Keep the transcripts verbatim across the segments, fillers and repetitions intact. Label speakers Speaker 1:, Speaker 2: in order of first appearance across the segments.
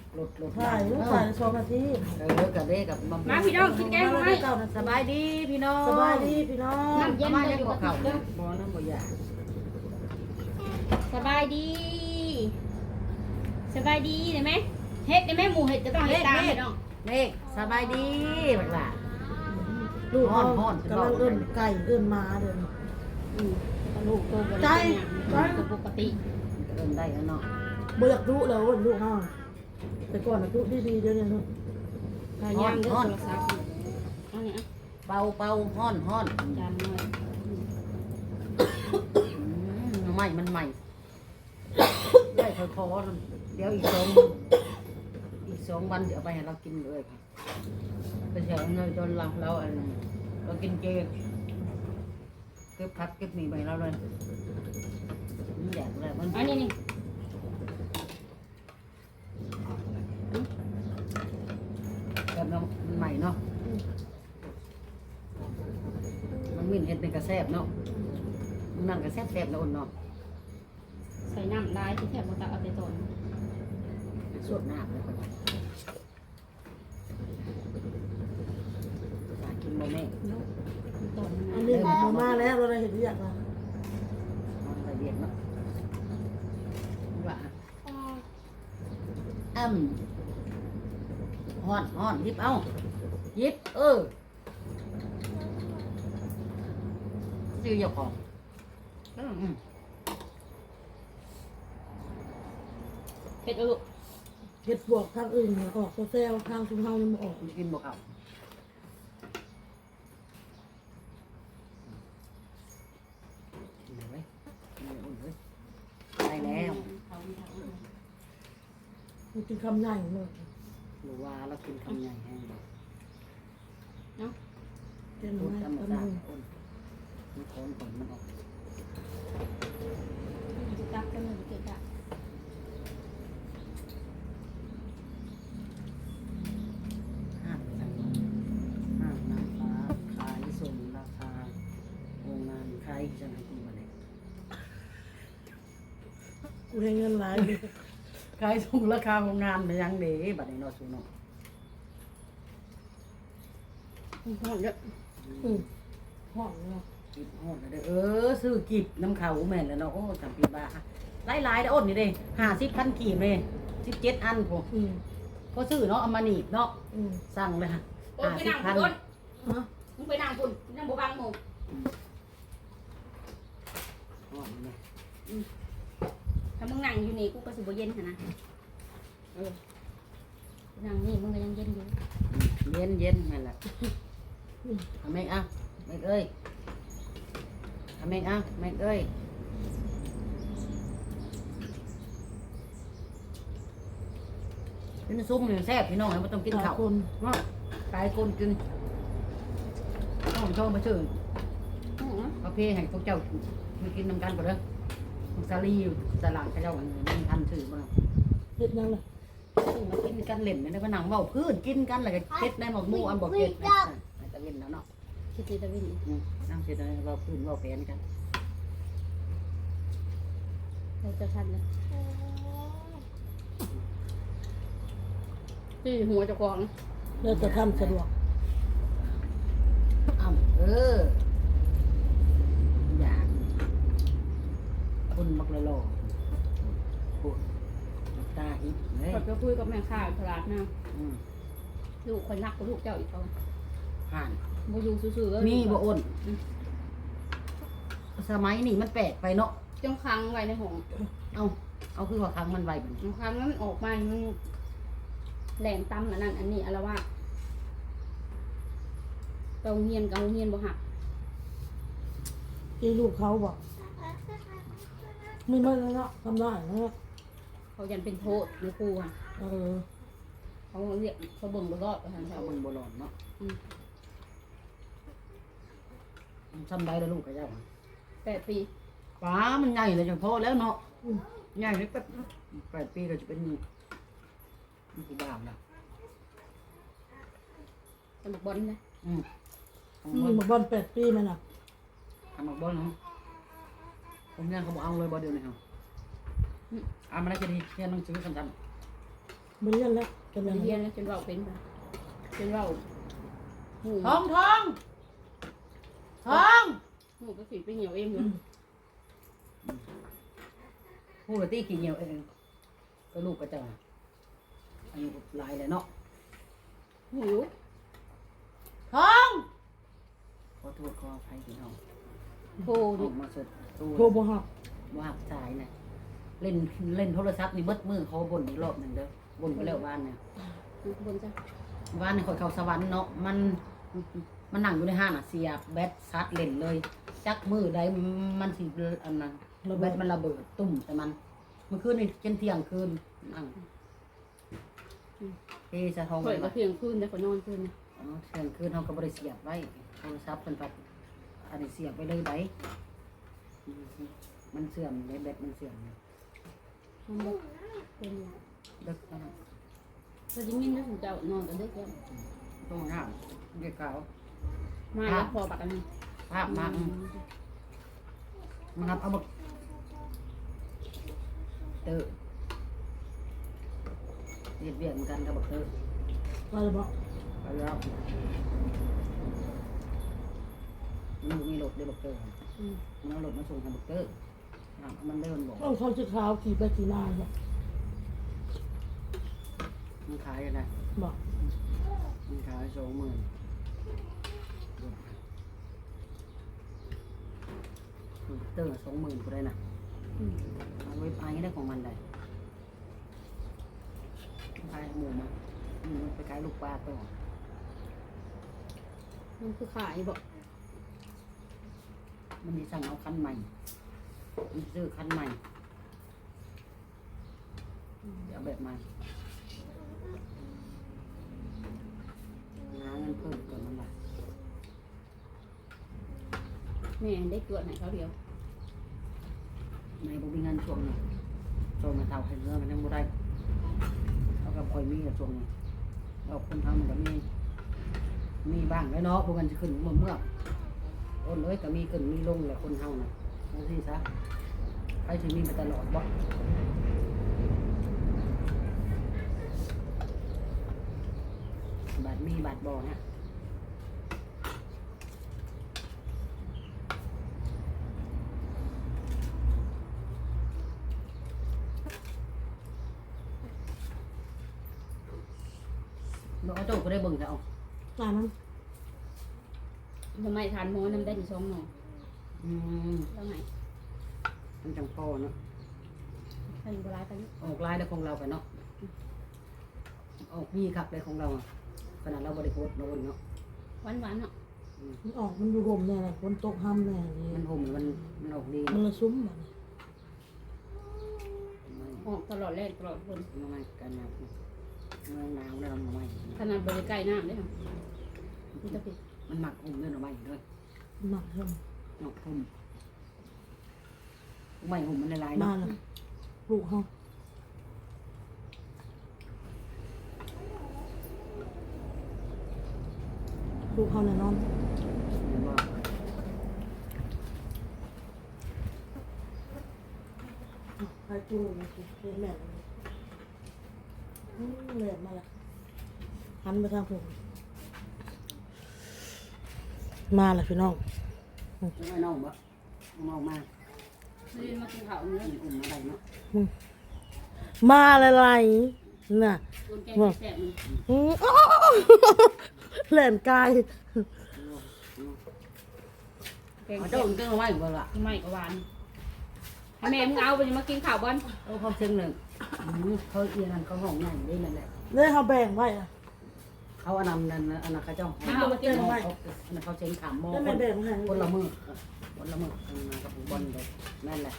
Speaker 1: หลุดหลุด
Speaker 2: ถ่ายลูกถ่ายสองนาที
Speaker 1: เออกับเด็กกับมัม
Speaker 3: มาพี่น้องกินแกงไหม
Speaker 1: สบายดีพี่น้อง
Speaker 2: สบายดีพี่น้อง
Speaker 3: น้ำเย็น
Speaker 1: มา
Speaker 3: จะ
Speaker 1: เล่
Speaker 3: อน ยู่
Speaker 1: กั
Speaker 3: กั
Speaker 1: บบ เขา
Speaker 3: เด้อ
Speaker 1: บ่น้ำบ่ยา
Speaker 3: สบายดีสบายดีได้ไหมเฮ็ดได้ไหมหมูเฮ็ดจะต้องเฮ็ดตามพี่น้อง
Speaker 1: เด็กสบายดีบัดล่ะ
Speaker 2: ลูกเขา
Speaker 1: ฮ้อนๆ
Speaker 2: กำลังเอื้นไก่เอื้นมาเดิน
Speaker 3: อืมลูกโตบ่
Speaker 2: ใจ
Speaker 3: ได้เป็นปกติ
Speaker 1: เริ่มได้แล้วเนาะ
Speaker 2: เบิกลูกแล้วลูกเขาแต่ก่อนนะลูกดีๆเดี๋ยวนี้ลูก
Speaker 3: พยายามเด้อโทรศัพท์เอาเนี่ย
Speaker 1: เป่าเป่าฮ้อนฮ้อน
Speaker 3: จานน้อย
Speaker 1: ใหม่มันใหม่ได้ค่อยๆเดี๋ยวอีกสองอีกสองวันเดี๋ยวไปให้เรากินเลยไปแถวเนยจนเราเราอันเรากินเจเก็บพักเก็บหมี่ไปเราเลยมันแดดเลยมัน
Speaker 3: อันนี้นี่
Speaker 1: แบบเรามันใหม่เนาะมันมิ่นเห็ดเป็นกระแซบเนาะมันนั่งกระแซบแซบแล้วอุ่นเนาะ
Speaker 3: ใส่น้ำลายที่แทบบ่ตักเอาแต่ต้น
Speaker 1: สวดน้ำเลยคนอยากกินโมเม่
Speaker 3: เนาะต้น
Speaker 2: อัน
Speaker 3: นะ
Speaker 2: นี้มามาแล้วเราได้เห็นเรียกแล้ว
Speaker 1: มันละเอียดเนาะว่าอ้ำฮ้อนฮ้อนยิบเอายิบเออซื้อเจ้าของอืม
Speaker 3: เฮ็ดเอาลูก
Speaker 2: เห็ดบวกทางอื่นเนี่ยออกโซเซลทางชุมเฮายังไม่ออก
Speaker 1: กินบ่เขากินเลยเว้ยกินเลยอุ่นเว้ยได้แล้ว
Speaker 2: มันกินคำใหญ่เลย
Speaker 1: หรือว่าเรากินคำใหญ่แห้งเลย
Speaker 3: เนาะ
Speaker 2: เต็ม
Speaker 1: พูด
Speaker 2: ไม้
Speaker 1: ธรรม
Speaker 2: เต็ม
Speaker 1: ชา
Speaker 2: มื
Speaker 1: ติ
Speaker 2: อ
Speaker 1: อุ่นมันโคนก่อนมันออก
Speaker 3: จะตักกันเลยเกะกะ
Speaker 1: ห้าห้าน้ำฟ้าขายส่งราคาโรงงานขายจะไหนกินมาเลย
Speaker 2: กูให้เงินหลายดิ
Speaker 1: ขายส่งราคาโรงงานมันยังเด้บัดนี้เนาะสูเนาะ
Speaker 3: หอมเยอะ
Speaker 2: อืมห้องเนาะ
Speaker 1: กิบโหดเลยเด้อเออซื้อกิบน้ำเขาแม่นแล้วเนาะโอ้จำปีบ้าหลายหลายๆเด้ออ้นนี่เด้ห้าสิบพันกีบเลยสิบเจ็ดอันพอ
Speaker 2: อืม
Speaker 1: พอซื้อเนาะเอามาหนีบเนาะ
Speaker 2: อืม
Speaker 1: สั่งเลยฮะ
Speaker 3: โอ้
Speaker 1: ห้าย
Speaker 3: ไป
Speaker 1: สิบ
Speaker 3: นั่ง
Speaker 1: พัน
Speaker 3: พุ่น
Speaker 2: ฮะ
Speaker 3: มึงไปนั่งพุ่นนั่งบ่บังหมู่
Speaker 1: อ๋อนี่
Speaker 3: ถ้ามึงนั่งอยู่นี่กูก็สิบ่เย็นหั่นนะเออนั่งนี่มึงก็ยังเย็นอยู่
Speaker 1: เย็นเย็นนั่นแหละทำแม่งอ่ะแม่งเอ้ยทำแม่งอ่ะแม่งเอ้ยกินซุปหนึ่งแซ่บพี่น้องไม่ต้องกินข้าว
Speaker 2: คน
Speaker 1: เนาะกายคนกินต้องชอบมาชื่อ
Speaker 3: อื้อ
Speaker 1: ประเภทแห่งพวกเจ้ามากินน้ำกันก่อนเด้อของซาลีอยู่ตลาดเขาเจ้าอันนี้มันทันถือมา
Speaker 2: เห็ดนั่งเลย
Speaker 1: ซื้อมากินกันเล่นในผนังเบาพื้นกินกันแล้วก็เก็ดในหมกหมูอันบอกเก็ดนะตะเวนแล้วเนาะ
Speaker 3: คิดสิตะวิน
Speaker 1: อืมนั่งเสร็จแล้วเบาพื้นเบาแผนกัน
Speaker 3: เราจะทันเลยที่หัวเจ้าของ
Speaker 2: เราจะทำสะดวก
Speaker 1: อ้ำเอออยากคนมักละลอปวดตาอิบเลย
Speaker 3: ก็จะคุยกับแม่ค้าตลาดนะ
Speaker 1: อืม
Speaker 3: ลูกคนรักกับลูกเจ้าอีกเขา
Speaker 1: ผ่าน
Speaker 3: บ่อยู่ซื่อๆ
Speaker 1: มีบ่อ้นสมัยนี้มันแปลกไปเนาะ
Speaker 3: จงค้างไว้ในห้อง
Speaker 1: เอาเอาคือว่าครั้งมันไวมัน
Speaker 3: จงค้างแล้วมันออกมามันแหลมตำอันนั้นอันนี้อะไรว่าเกาเฮียนเกาเฮียนบ่หัก
Speaker 2: ที่ลูกเขาบอกไม่มาแล้วเนาะทำได้เนาะ
Speaker 3: เขายันเป็นโทษในครูอ่ะ
Speaker 2: เออ
Speaker 3: เขาเรียกเขาเบิ่งบ่รอดประธาน
Speaker 1: เอา
Speaker 3: เขา
Speaker 1: มันโบราณเนาะซ้ำได้แล้วลูกกับเจ้า
Speaker 3: แปดปี
Speaker 1: ป้ามันใหญ่เลยจังพอแล้วเนาะใหญ่เลยแป๊บแปดปีก็จะเป็นมันกูบ้าแล้ว
Speaker 3: สมัครบอลนะ
Speaker 1: อืม
Speaker 2: มีมาบอลแปดปีมันอ่ะ
Speaker 1: ทำมาบอลเนาะผมเนี่ยเขาบอกเอาเลยบอลเดียวนี่ครับอ่ามันน่าจะดีเรียนหนังสือสั้น
Speaker 2: บริเวณแล้วเป็น
Speaker 3: บ่
Speaker 2: ยัง
Speaker 3: ได้
Speaker 2: ไง
Speaker 3: เรียนแล้วจนเว้าเป็นบ่จนเว้าหู
Speaker 1: ทองทองทอง
Speaker 3: หูก็สิไปเหี่ยวเองอยู่
Speaker 1: พูดกับตี้กี่เหนียวเองก็ลูกก็จะอายุหลายเลยเนาะ
Speaker 3: หูอยู่
Speaker 1: ทองขอโทษขออภัยพี่น้อง
Speaker 3: โทร
Speaker 1: อ
Speaker 3: ดิ
Speaker 1: อกมาสดตู้
Speaker 2: โทรบ่ฮับ
Speaker 1: ว่าหักสายนะเล่นเล่นโทรศัพท์นี่เบิดมือเขาบ่นอีกรอบหนึ่งเด้อบ่นไปแล้วบ้านเนี่ย
Speaker 3: บนจ้ะ
Speaker 1: บ้านในคนเขาสวรรค์เนาะมันมันนั่งอยู่ในห้างอ่ะเสียบแบตซัดเล่นเลย จักมือใดมันสิอันนั้นแบตมันระเบิดตุ่มแต่มันเมื่อคืนนี่จนเที่ยงคืนนั่งเฮ้สะทอง
Speaker 3: ข่อย
Speaker 1: ไป
Speaker 3: ก็เที่ยงคืนแล้วก็นอนคืนนะ
Speaker 1: อ๋อเที่ยงคืนเขาก็บริเสียบไว้โทรศัพท์เป็นปัดอันนี้เสียบไปเลยไดมันเสื่อมเลยแบตมันเสื่อมเลย
Speaker 3: มันบ่เป็นหยัง
Speaker 1: เด็กนะ
Speaker 3: พอจะมินนะถึงเจ้านอนกันเด็กแล้ว
Speaker 1: ต้องห้ามเด็กเก่า
Speaker 3: มาแล้วพอบักอันนี้
Speaker 1: ภาพมาอืมมันครับเอาบักเตอเบียดเบียดเหมือนกันกับบักเตอ
Speaker 2: มาเลยบอก
Speaker 1: ไปแล้วมันมีรถเดี๋ยวบักเตอ
Speaker 3: อืม
Speaker 1: มันเอารถมาส่งทางบักเตออ่ะมันเดินบอก
Speaker 2: ต้องเขาจะขาวขี่ไปขี่มาบอก
Speaker 1: มันขายกันนะ
Speaker 2: บอก
Speaker 1: มันขายสองหมื่นเติมสองหมื่นกูได้นะ
Speaker 3: อืม
Speaker 1: เอาไว้ไปได้ของมันได้ขายหมูมาอืมไปขายลูกปลาต่อ
Speaker 3: มันคือขายบอก
Speaker 1: มันมีสั่งเอาคันใหม่มันซื้อคันใหม่เดี๋ยวเอาแบบใหม่หาเงินเพิ่มก่อนมันละ
Speaker 3: แม่ได้เกลือไหนเขาเดียว
Speaker 1: ในบุมีเงินช่วงนี้ช่วงมาเท่าให้เงินมันยังไม่ได้เขากับคอยมีกับช่วงนี้เราคนทำมันก็มีมีบ้างแล้วเนาะพวกมันจะขึ้นเมื่อเมื่อต้นเลยก็มีขึ้นมีลงแหละคนเฮานะนั่นสิซะใครจะมีมาตลอดบ่บาทมีบาทบ่เนี่ยเราเอาโต๊ะก็ได้เบิ่งแล้ว
Speaker 2: อ่านนั้น
Speaker 3: ทำไมทานหม้อน้ำได้ถึงสองหน่อ
Speaker 1: อืม
Speaker 3: แล้วไง
Speaker 1: มันจังพอเนาะ
Speaker 3: ใครอยู่ร้ายกัน
Speaker 1: ออกลายได้ของเราไปเนาะออกมีครับเลยของเราอะขนาดเราบริโภคโดนเนาะ
Speaker 3: หวานหวานๆเนาะ
Speaker 2: มันออกมันอยู่ห่มแน่เลยฝนตกห้ำแน่นี่
Speaker 1: มันห่มมันมันออกดี
Speaker 2: มันละซุ้มแบบนี้
Speaker 3: ออกตลอดแรกตลอดคน
Speaker 1: มันไม่กันนะมันหนาวแล้วมันไม่
Speaker 3: ขนาดบริใกล้น้ำได้ค่ะมันจะผิด
Speaker 1: มันหมักห่มด้วยหน่อไม้ด้วย
Speaker 2: หนักเท่า
Speaker 1: หมักห่มไม่ห่มมันละลาย
Speaker 2: บ้า
Speaker 1: เนาะ
Speaker 2: นละลูกเขาลูกเขาแน่นอน
Speaker 1: เห็นบ่
Speaker 2: ใครจูงนี่แม่อืมแม่มาละหันไปทางผมมาละพี่น้อง
Speaker 1: ไม่น้องบ่น้องมา
Speaker 3: นี่มากินข้าวเนื้อ
Speaker 1: กินอุ่นอะไรเนาะ
Speaker 2: มาอะไรน่ะ
Speaker 3: ตัวแกงแสบมัน
Speaker 2: อืมอ้าวแหลมกาย
Speaker 3: แกง
Speaker 1: เอา
Speaker 3: แส
Speaker 1: เจ้า
Speaker 3: บ
Speaker 1: อุ่นเจ้าหน่อไม้บ่ล่ะ
Speaker 3: ไม่ก็หวานให้แม่มึงเอาไปมากินข้าวบอล
Speaker 1: เอาเขาเชิงหนึ่งอืมเขาเอียนั่นเขาห้องใหญ่ได้นั่นแหละ
Speaker 2: เลยเขาแบ่งไว้อะ
Speaker 1: เขาอันนั้นนั่นอันนั้นเขาเจ้าห้อง
Speaker 2: เอามาเก็บไว้
Speaker 1: เขาอันนั้นเขาเชิงขามหม้อ
Speaker 2: แล้ว
Speaker 1: ค
Speaker 2: แม่
Speaker 1: น
Speaker 2: แบ่งให้
Speaker 1: คนละมือคนละมืออันนั้นกับผมบอลเลยนั่นแหละ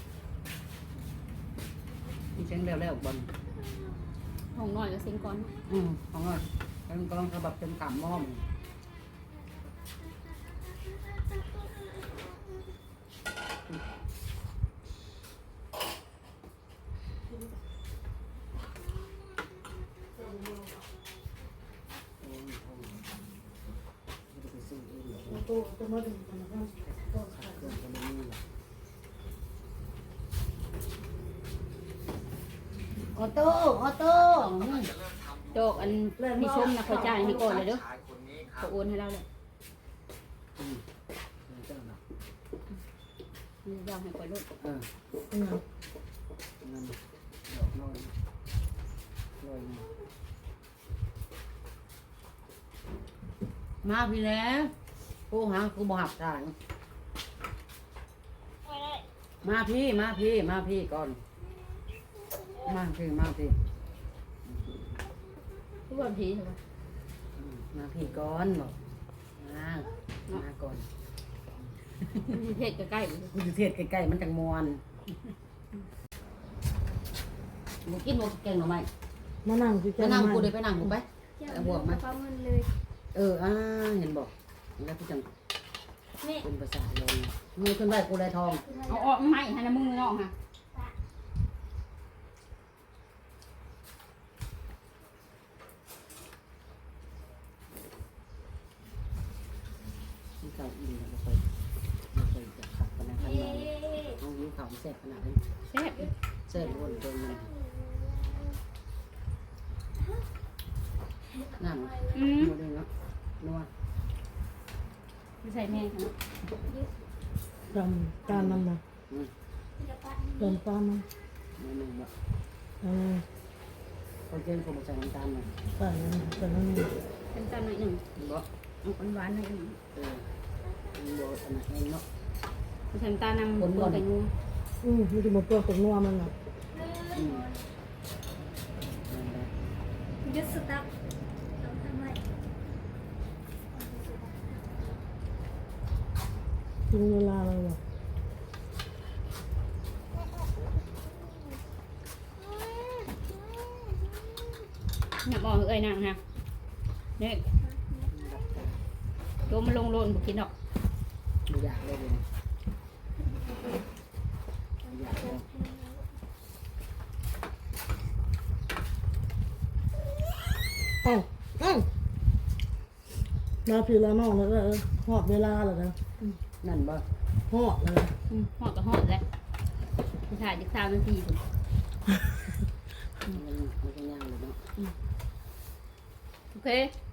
Speaker 1: นี่เชิงแล้วแล้วบอล
Speaker 3: ห้องน้อยก็เซ็งก่อน
Speaker 1: อืมของเราเชิงกองเขาแบบเชิงขามหม้อมไปซื้อเองเหรอ
Speaker 2: โตโตมาถึงกันนะครับ
Speaker 1: ขาดเครื่องตัวนี้แหละออโต้ออโต้อืม
Speaker 3: อันที่ชมนะเขาจ่ายให้ก่อนเลยเด้อเขาโอนให้เราเลย
Speaker 1: อืมเจ้าหนัก
Speaker 3: มียอมให้ก่อนลูก
Speaker 1: เออ
Speaker 2: อืม
Speaker 1: เงินดอกน้อยลอยมาพี่แล้วผู้หากูบหับทางมาพี่มาพี่มาพี่ก่อนมาพี่มาพี่
Speaker 3: ทุกคนทีใช่ไหม
Speaker 1: อืมมาพี่ก่อนบอกมามาก่อน
Speaker 3: เทศใกล้ๆเลย
Speaker 1: กูจะเทศใกล้ๆมันจังมวนมึงกินบ่แกงหน่อไม้
Speaker 2: มานั่งคุย
Speaker 1: ไป
Speaker 2: กัน
Speaker 1: นั่ง
Speaker 2: มา
Speaker 1: กูเลยไปนั่งกูไป
Speaker 4: เอาบวกมาเงินเลย
Speaker 1: เอออ่าเห็นบอกแล้วพี่จัง
Speaker 4: นี่
Speaker 1: เป็นภาษาเลยมือขึ้นไหวกูได้ทอง
Speaker 3: เอาออกไม่ฮะนะมึงน้องฮะ
Speaker 1: ที่เก่าอีกแล้วก็ไปไม่เคยจะขับกันนะขนาดนั้นเอายิ้วขาวแซ่บขนาดนั้น
Speaker 3: แซ่บ
Speaker 1: แซ่บวนเกินเลยนั่น
Speaker 3: อืม
Speaker 1: โมเดลเนาะนัว
Speaker 3: ไม่ใส่แม่ค่ะ
Speaker 2: จำการนำนะ
Speaker 1: อืม
Speaker 2: จำการน
Speaker 1: นั่นเองบ่
Speaker 2: ำเออ
Speaker 1: เขาเจนเขาบอกใส่น้ำตาลหน่อย
Speaker 2: ใส่ใส่นั่นนี่
Speaker 3: เป็นตอนหน่อยหนึ่ง
Speaker 1: บ่
Speaker 3: เอาคนหวานหน่อยหนึ่ง
Speaker 1: เออมันบ่ขนาดนั้นเนาะ
Speaker 3: ใส่น้ำตาลนำตัวแตงโม
Speaker 2: อืมมันจะมาเปลือกกับนัวมันน่ะ
Speaker 1: อืมนั่นแหละ
Speaker 4: ยึดสต๊อกเราทำไม
Speaker 2: กินเวลาเลยอ่ะ
Speaker 3: เนี่ยบอกเอ้ยนางฮะเนี่ยตัวมันลงโลนบุกินดอก
Speaker 1: บ่อยากเลยเลยบ่อยากเลย
Speaker 2: เอ้าเอ้ามาพี่ละน้องแล้วก็เออหอดเวลาแล้วนะ
Speaker 1: นั่นบ่
Speaker 2: หอดเลย
Speaker 3: อืมหอดกับหอดแหล้วถ่ายจากสามนาทีถึง
Speaker 1: มันมันก็ย่างเลยเนาะ
Speaker 3: โอเค